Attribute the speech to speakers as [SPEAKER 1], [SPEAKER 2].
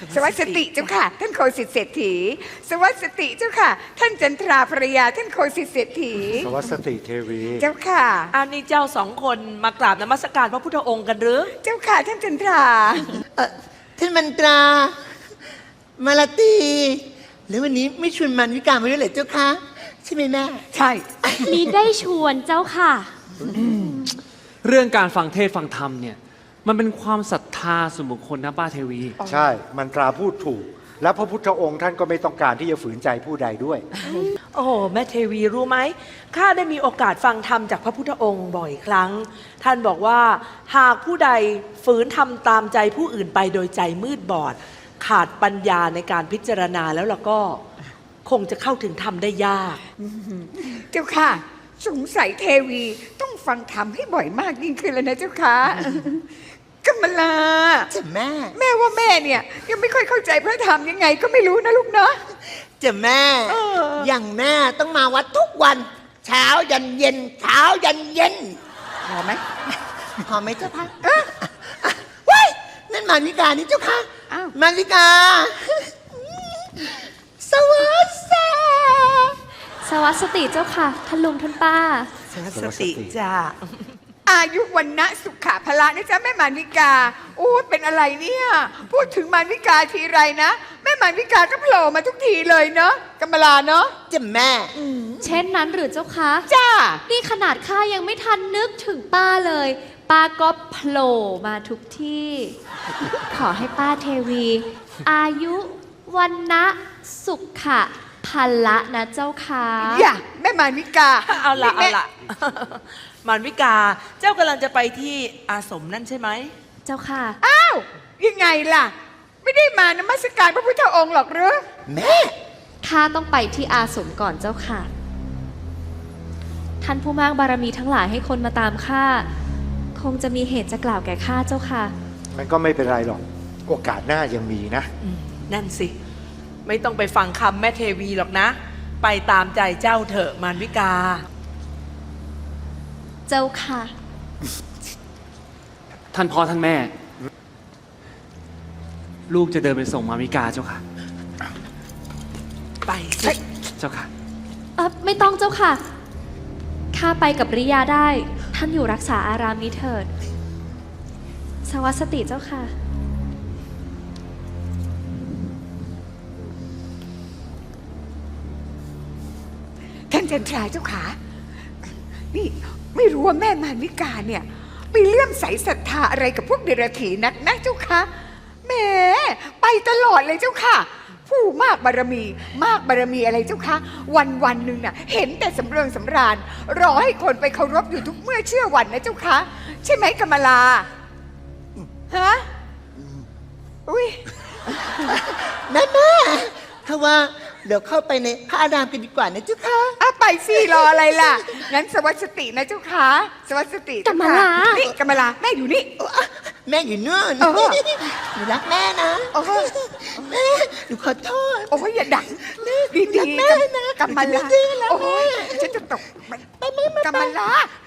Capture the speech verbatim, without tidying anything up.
[SPEAKER 1] สวัสดิเจ้าค่ะท่านโคสิทธิเศรษฐีสวัสดิเจ้าค่ะท่านจันทราภรรยาท่านโคสิทธิเศรษฐี
[SPEAKER 2] สวัสดิเทวี
[SPEAKER 1] เจ้าค่ะ
[SPEAKER 3] อันนี้เจ้าสองคนมากราบนมัสการพระพุทธองค์กันหรือ
[SPEAKER 1] เจ้าค่ะท่านจันทรา
[SPEAKER 4] เออท่านมันตรามาลาตีแล้ววันนี้ไม่ชวนมันวิการมาด้วยเหรอเจ้าคะใช่ไหมแม่
[SPEAKER 1] ใช่
[SPEAKER 5] มีได้ชวนเจ้าค่ะ
[SPEAKER 6] เรื่องการฟังเทศฟังธรรมเนี่ยมันเป็นความศรัทธาส่วนบุคคลนะป้าเทวี
[SPEAKER 2] ใช่มันตราพูดถูกแล้วพระพุทธองค์ท่านก็ไม่ต้องการที่จะฝืนใจผู้ใดด้วย
[SPEAKER 3] โอ้โหแม่เทวีรู้ไหมข้าได้มีโอกาสฟังธรรมจากพระพุทธองค์บ่อยครั้งท่านบอกว่าหากผู้ใดฝืนทำตามใจผู้อื่นไปโดยใจมืดบอดขาดปัญญาในการพิจารณาแล้วล่ะก็คงจะเข้าถึงธรรมได้ยาก
[SPEAKER 1] เจ้าค่ะสงสัยเทวีต้องฟังธรรมให้บ่อยมากยิ่งขึ้นแล้วนะเจ้าค่ะกัมมลา
[SPEAKER 4] จะแม่
[SPEAKER 1] แม่ว่าแม่เนี่ยยังไม่ค่อยเข้าใจพระธรรมยังไงก็ไม่รู้นะลูกเนาะ
[SPEAKER 4] จะแม่อย่างแม่ต้องมาวัดทุกวันเช้ายันเย็นเช้ายันเย็น
[SPEAKER 1] พอไหม
[SPEAKER 4] พอไหมเจ้าค่ะเฮ้ยนั่นมานิกานี่เจ้าค่ะมานิกาสวัสดี
[SPEAKER 5] สวัสดีเจ้าค่ะท่านลุงท่านป้า
[SPEAKER 3] สวัสดีจ้า
[SPEAKER 1] อายุวันนะสุขะพละนะจ๊ะแม่มานิกาโอ้เป็นอะไรเนี่ยพูดถึงมานิกาทีไรนะแม่มานิกาก็โผล่มาทุกทีเลยเนาะกัมมลาเนาะ
[SPEAKER 4] จะแม่
[SPEAKER 5] เช่นนั้นหรือเจ้าคะ
[SPEAKER 1] จ้า
[SPEAKER 5] นี่ขนาดข้ายังไม่ทันนึกถึงป้าเลยป้าก็โผล่มาทุกที่ ขอให้ป้าเทวี อายุวันนะสุขะพละนะเจ้าค่ะ
[SPEAKER 1] อย่าแม่มานิกา
[SPEAKER 3] เอาละเอาละมารวิกาเจ้ากำลังจะไปที่อาสมนั่นใช่ไหม
[SPEAKER 5] เจ้าค่ะ
[SPEAKER 1] อ้าวยังไงล่ะไม่ได้มานมัสการพระพุทธองค์หรอกหรือ
[SPEAKER 4] แม่
[SPEAKER 5] ข้าต้องไปที่อาสมก่อนเจ้าค่ะท่านผู้มากบารมีทั้งหลายให้คนมาตามข้าคงจะมีเหตุจะกล่าวแก่ข้าเจ้าค่ะ
[SPEAKER 2] มันก็ไม่เป็นไรหรอกโอกาสหน้ายังมีนะ
[SPEAKER 3] นั่นสิไม่ต้องไปฟังคำแม่เทวีหรอกนะไปตามใจเจ้าเถอะมารวิกา
[SPEAKER 5] เจ้าค่ะ
[SPEAKER 6] ท่านพ่อท่านแม่ลูกจะเดินไปส่งมามิกาเจ้าค่ะ
[SPEAKER 3] ไปสิ
[SPEAKER 6] เจ้าค่ะ
[SPEAKER 5] เออไม่ต้องเจ้าค่ะข้าไปกับริยาได้ท่านอยู่รักษาอารามนี้เถิดสวัสดีเจ้าค่ะ
[SPEAKER 1] ท่านจันทราเจ้าขานี่ไม่รู้ว่าแม่มานิกาเนี่ยไปเลื่อมใสศรัทธาอะไรกับพวกเดรัจฉีนักนะเจ้าค่ะแหมไปตลอดเลยเจ้าค่ะผู้มากบารมีมากบารมีอะไรเจ้าค่ะวันวันหนึ่งน่ะเห็นแต่สำเริงสำราญรอให้คนไปเคารพอยู่ทุกเมื่อเชื่อวันนะเจ้าค่ะใช่ไหมกัมมลาฮะอุ้ย
[SPEAKER 4] แม่แม่ถ้าว่าเดี๋ยวเข้าไปในพระอารามกันดีกว่านะเจ้าค่ะ
[SPEAKER 1] อ่ะไปสิรออะไรล่ะงั้นสวัสดินะเจ้าค่ะสวัสดิ
[SPEAKER 5] กัมมลา
[SPEAKER 1] นี่กัมมลาแม่อยู่นี่
[SPEAKER 4] แม่อยู่นู่นหนูรักแม่นะแม่หนูขอโทษ
[SPEAKER 1] โอ้ยอย่าดังดีๆแม่นะกัมมลาโอ้ยฉันจะตกกัมมลา